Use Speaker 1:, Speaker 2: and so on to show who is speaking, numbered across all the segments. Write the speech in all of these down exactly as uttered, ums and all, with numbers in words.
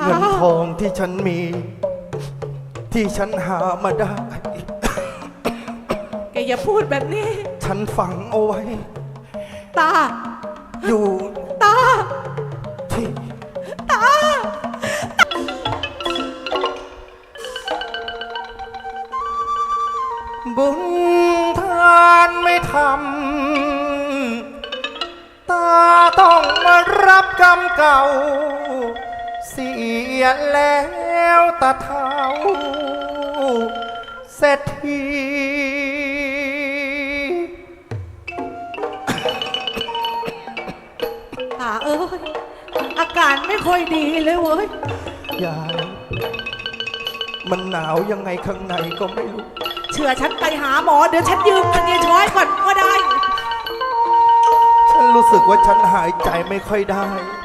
Speaker 1: เงินทองที่ฉันมี ที่ฉันหามาได้
Speaker 2: แกอย่าพูดแบบนี้
Speaker 1: ฉันฝังเอาไว้
Speaker 2: ตา
Speaker 1: อยู่
Speaker 2: ตา
Speaker 1: ที่
Speaker 2: ตา
Speaker 1: บุญทานไม่ทำตาต้องมารับกรรมเก่า เสียแล้วตาเท้าเศรษฐี
Speaker 2: ตาเอ้ยอาการไม่ค่อยดีเลยเว้ย
Speaker 1: ยายมันหนาวยังไงข้างในก็ไม่รู้
Speaker 2: เชื่อฉันไปหาหมอเดี๋ยวฉันยืมเงินยายช้อยก่อนก็ได้
Speaker 1: ฉันรู้สึกว่าฉันหายใจไม่ค่อยได้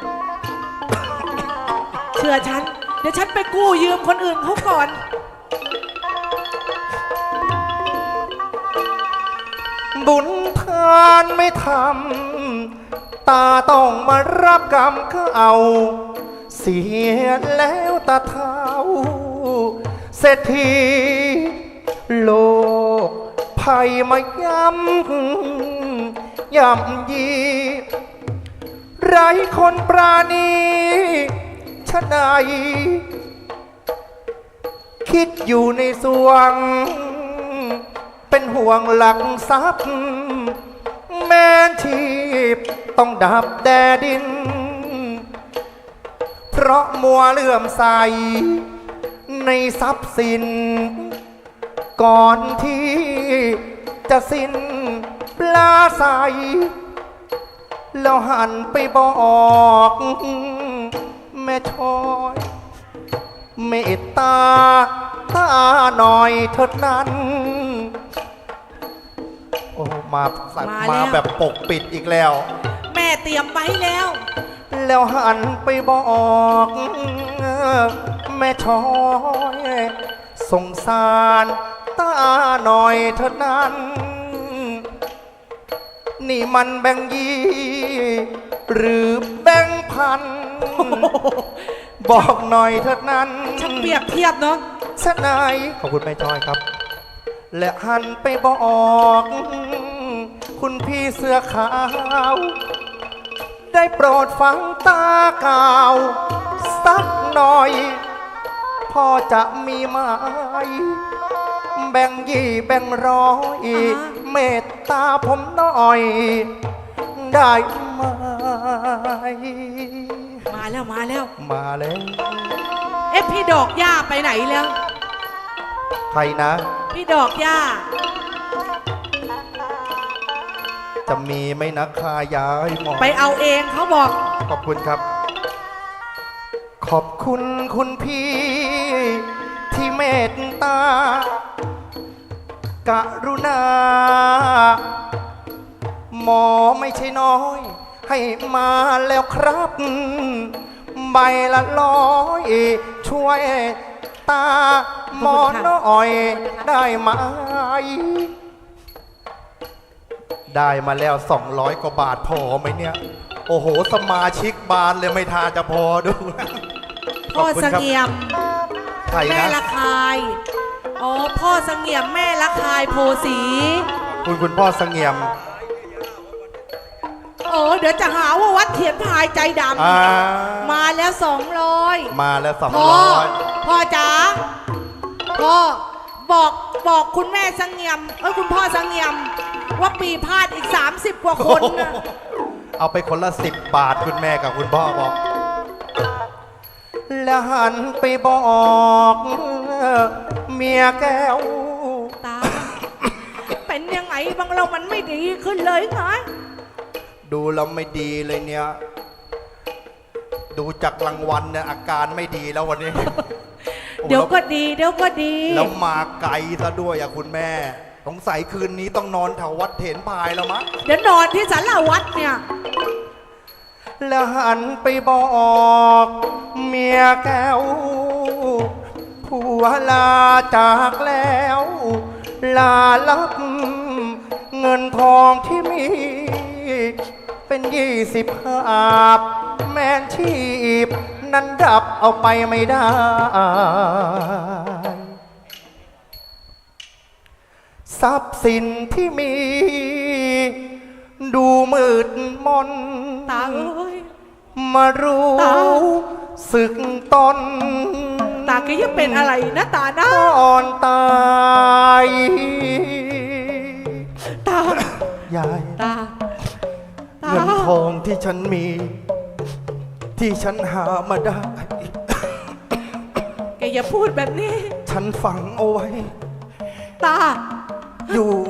Speaker 2: เชื่อฉันเดี๋ยวฉันไปกู้ยืมคนอื่นเขาก่อน
Speaker 1: บุญทานไม่ทำตาต้องมารับกรรมเขาเอาเสียแล้วตาเท้าเศรษฐีโลกภัยมาย้ำย่ำยีไร้คนปราณีชะไหนคิดอยู่ในสวงเป็นห่วงหลักทรัพย์แม้ชีพต้องดับแดดิน เพราะมัวเลื่อมใสในทรัพย์สิน ก่อนที่จะสิ้นปลาใสแล้วหันไปบอกแม่ช้อยเมตตาตาหน่อยเถิดนั้นโอ้มาสัตว์มาแบบปกปิดอีกแล้ว
Speaker 2: แม่เตรียมไว้แล้ว
Speaker 1: แล้วหันไปบอกแม่ช้อยสงสารตาหน่อยเถิดนั้น นี่มันแบ่งยี่หรือแบ่งพัน บอกหน่อยเถิดนั้น
Speaker 2: ฉันเปรียบเทียบเนาะ
Speaker 1: ชะไหนขอบคุณแม่ช้อยครับ และหันไปบอกคุณพี่เสื้อขาว ได้โปรดฟังตากล่าวสักหน่อยพอจะมีไหมแบ่งยี่แบ่งร้อยเมตตาผมหน่อยได้ไหม
Speaker 2: มาแล้วมาแล้ว
Speaker 1: มาแล้ว
Speaker 2: เอ๊ะพี่ดอกหญ้าไปไหนแล้ว
Speaker 1: ใครนะ
Speaker 2: พี่ดอกหญ้า
Speaker 1: จะมีไหมนะคายายหมอ
Speaker 2: ไปเอาเองเขาบอก
Speaker 1: ขอบคุณครับ ขอบคุณคุณพี่ที่เมตตากรุณา หมอไม่ใช่น้อย ให้มาแล้วครับ ใบละร้อยช่วยตาหมอน้อยได้ไหม ได้มาแล้วสองร้อยกว่าบาทพอไหมเนี่ย โอ้โหสมาชิกบานเลยไม่ทาจะพอดู
Speaker 2: พ่อเสงี่ยม
Speaker 1: ใคร
Speaker 2: แม่
Speaker 1: นะ
Speaker 2: ละคายอ๋อพ่อเสงี่ยมแม่ละคายโพสี
Speaker 1: คุณคุณพ่อเสงี่ยม
Speaker 2: โอ้เดี๋ยวจะหาว่าวัดเถียนพายใจด
Speaker 1: อ่า
Speaker 2: ำมาแล้วสองร้อย
Speaker 1: มาแล้วสอง
Speaker 2: พ่อ
Speaker 1: ร้อย
Speaker 2: พ่อจ๋าพ่อบอกบอกคุณแม่เสงี่ยมเอ้ยคุณพ่อเสงี่ยมว่าปีพาดอีกสามสิบกว่าคนนะ
Speaker 1: เอาไปคนละสิบบาทคุณแม่กับคุณพ่อบอก แล้วหันไปบอกเมียแก้ว
Speaker 2: ตา เป็นยังไงบางเรามันไม่ดีขึ้นเลยไง
Speaker 1: ดูแล้วไม่ดีเลยเนี่ย ดูจากรางวัลเนี่ยอาการไม่ดีแล้ววันนี้
Speaker 2: เดี๋ยวก็ดีเดี๋ยวก็ดี
Speaker 1: แล้วมาไกลซะด้วยอะคุณแม่สงสัยคืนนี้ต้องนอนแถววัดเถนพายแล้วมั้ง
Speaker 2: เดี๋ยวนอนที่ศาลาวัดเนี่ย
Speaker 1: แล้วหันไปบอกเมียแก้วผัวลาจากแล้ว ลาลับเงินทองที่มี เป็นยี่สิบหาบแม่นชีพนั้นดับเอาไปไม่ได้ ทรัพย์สินที่มี ดูมืดมน
Speaker 2: ตาเอ้ย
Speaker 1: มารู้
Speaker 2: ตา
Speaker 1: สึกตน
Speaker 2: ตาแกยังเป็นอะไรนะตานะ
Speaker 1: ก่อนตาย
Speaker 2: ตา
Speaker 1: ยาย
Speaker 2: ตา ตา
Speaker 1: เงินทองที่ฉันมี ที่ฉันหามาได้
Speaker 2: แกอย่าพูดแบบนี้
Speaker 1: ฉันฝังเอาไว้
Speaker 2: ตา
Speaker 1: อยู่